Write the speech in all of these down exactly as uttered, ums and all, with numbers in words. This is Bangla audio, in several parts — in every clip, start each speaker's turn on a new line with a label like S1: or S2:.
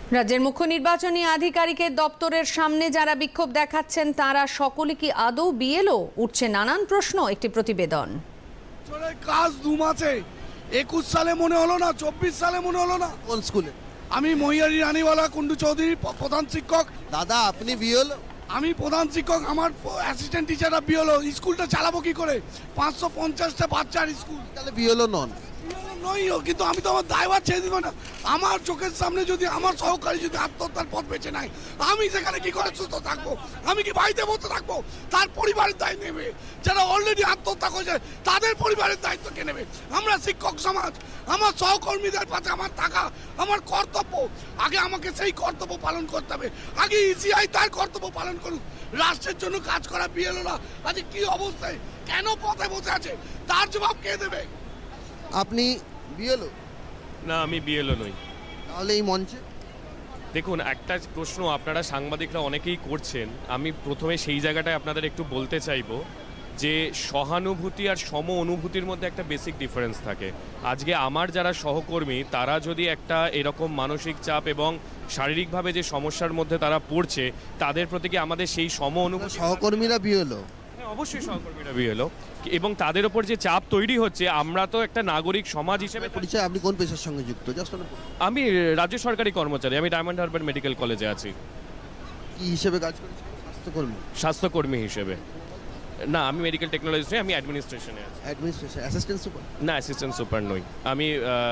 S1: রাজ্যের মুখ্য নির্বাচনী আধিকারিকের দপ্তরের সামনে যারা বিক্ষোভ দেখাচ্ছেন তারা সকলে কি আদৌ বিএলও? উঠছে নানান প্রশ্ন। একটি প্রতিবেদন।
S2: কাজ দু মাসে একুশ সালে মনে হলো না, চব্বিশ সালে মনে হলো না।
S3: কোন স্কুলে?
S2: আমি মহিয়ারি রানীওয়ালা কুন্ডু চৌধুরী, প্রধান শিক্ষক।
S3: দাদা আপনি বিএলও?
S2: আমি প্রধান শিক্ষক, আমার অ্যাসিস্ট্যান্ট টিচাররা বিএলও। স্কুলটা চালাবো কি করে? পাঁচশো পঞ্চাশটা বাচ্চার স্কুল।
S3: তাহলে বিএলও নন?
S2: নইও, কিন্তু আমি তো আমার দায়ভার ছেড়ে দিব না। আমার চোখের সামনে যদি আমার সহকারী যদি আত্মহত্যার পথ বেছে নেয়, আমি সেখানে কি করে সুস্থ থাকবো? আমি কি বাড়িতে বসে থাকবো? তার পরিবারের দায় নেবে। যারা অলরেডি আত্মহত্যা করেছে তাদের পরিবারের দায়িত্ব কে নেবে? আমরা শিক্ষক সমাজ, আমার সহকর্মীদের পাশে আমার থাকা আমার কর্তব্য। আগে আমাকে সেই কর্তব্য পালন করতে হবে। আগে ইসিআই তার কর্তব্য পালন করুক। রাষ্ট্রের জন্য কাজ করা বিএলওরা আজ কি অবস্থায়, কেন পথে বসে আছে, তার জবাব কে দেবে?
S3: আপনি বিএলও?
S4: না, আমি বিএলও নই।
S3: তাহলে এই মঞ্চে
S4: দেখুন, একটা প্রশ্ন আপনারা সাংবাদিকরা অনেকেই করছেন। আমি প্রথমে সেই জায়গাটায় আপনাদের একটু বলতে চাইবো যে সহানুভূতি আর সম অনুভূতির মধ্যে একটা বেসিক ডিফারেন্স থাকে। আজকে আমার যারা সহকর্মী তারা যদি একটা এরকম মানসিক চাপ এবং শারীরিকভাবে যে সমস্যার মধ্যে তারা পড়ছে, তাদের প্রতি কি আমাদের সেই সম অনুভূতি?
S3: সহকর্মীরা বিএলও?
S4: হ্যাঁ, অবশ্যই সহকর্মীরা বিএলও, এবং তাদের ওপর যে চাপ তৈরি হচ্ছে, আমরা তো একটা নাগরিক সমাজ হিসেবে।
S3: পরিচয়, আপনি কোন পেশার সঙ্গে যুক্ত? জাস্ট
S4: আমি রাজ্য সরকারি কর্মচারী, আমি ডায়মন্ড হারবার মেডিকেল কলেজে আছি।
S3: কি হিসেবে কাজ করেছেন? স্বাস্থ্যকর্মী?
S4: স্বাস্থ্যকর্মী হিসেবে না, আমি মেডিকেল টেকনোলজিস্ট নই, আমি অ্যাডমিনিস্ট্রেশনে আছি।
S3: Administration, assistant super?
S4: না, অ্যাসিস্ট্যান্ট সুপার নই, আমি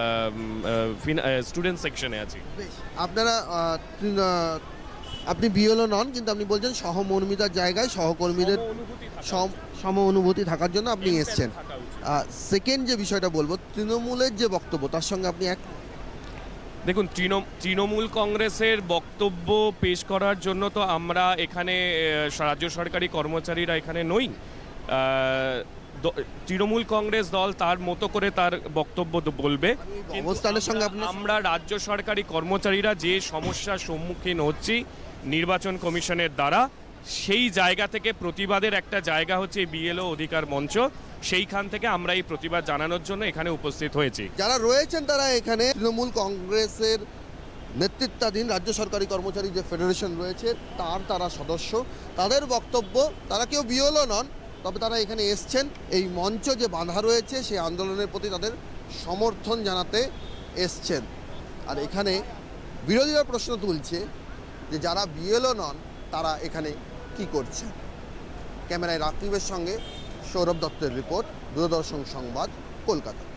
S4: স্টুডেন্ট সেকশনে আছি।
S3: বেশ, আপনারা আহ, তিন, আহ, আপনি বিএলও নন, কিন্তু আপনি বলছেন সহমর্মিতার জায়গায় সহকর্মীদের সম- সম অনুভূতি থাকার জন্য আপনি এসছেন। সেকেন্ড যে বিষয়টা বলবো, তৃণমূলের যে বক্তব্য তার সঙ্গে আপনি এক?
S4: দেখুন, তৃণ- তৃণমূল কংগ্রেসের বক্তব্য পেশ করার জন্য তো আমরা এখানে আহ, রাজ্য সরকারি কর্মচারীরা এখানে নই। আহ, দ- তৃণমূল কংগ্রেস দল তার মতো করে তার বক্তব্য দ- বলবে। কিন্তু
S3: অবস্থানের সঙ্গে
S4: আমরা-
S3: আপনি?
S4: আমরা রাজ্য সরকারি কর্মচারীরা যে সমস্যার সম্মুখীন হচ্ছি নির্বাচন কমিশনের দ্বারা, সেই জায়গা থেকে প্রতিবাদের একটা জায়গা হচ্ছে বিএলও অধিকার মঞ্চ। সেইখান থেকে আমরা এই প্রতিবাদ জানানোর জন্য এখানে উপস্থিত হয়েছি।
S3: যারা রয়েছেন তারা এখানে তৃণমূল কংগ্রেসের নেতৃত্বাধীন রাজ্য সরকারি কর্মচারী যে ফেডারেশন রয়েছে তার তারা সদস্য। তাদের বক্তব্য, তারা কেউ বিএলও নন, তবে তারা এখানে এসছেন এই মঞ্চ যে বাঁধা রয়েছে সেই আন্দোলনের প্রতি তাদের সমর্থন জানাতে এসছেন। আর এখানে বিরোধীরা প্রশ্ন তুলছে যে যারা বিএলও নন তারা এখানে কি করছে। ক্যামেরায় রাকিবের সঙ্গে সৌরভ দত্তের রিপোর্ট, দূরদর্শন সংবাদ, কলকাতা।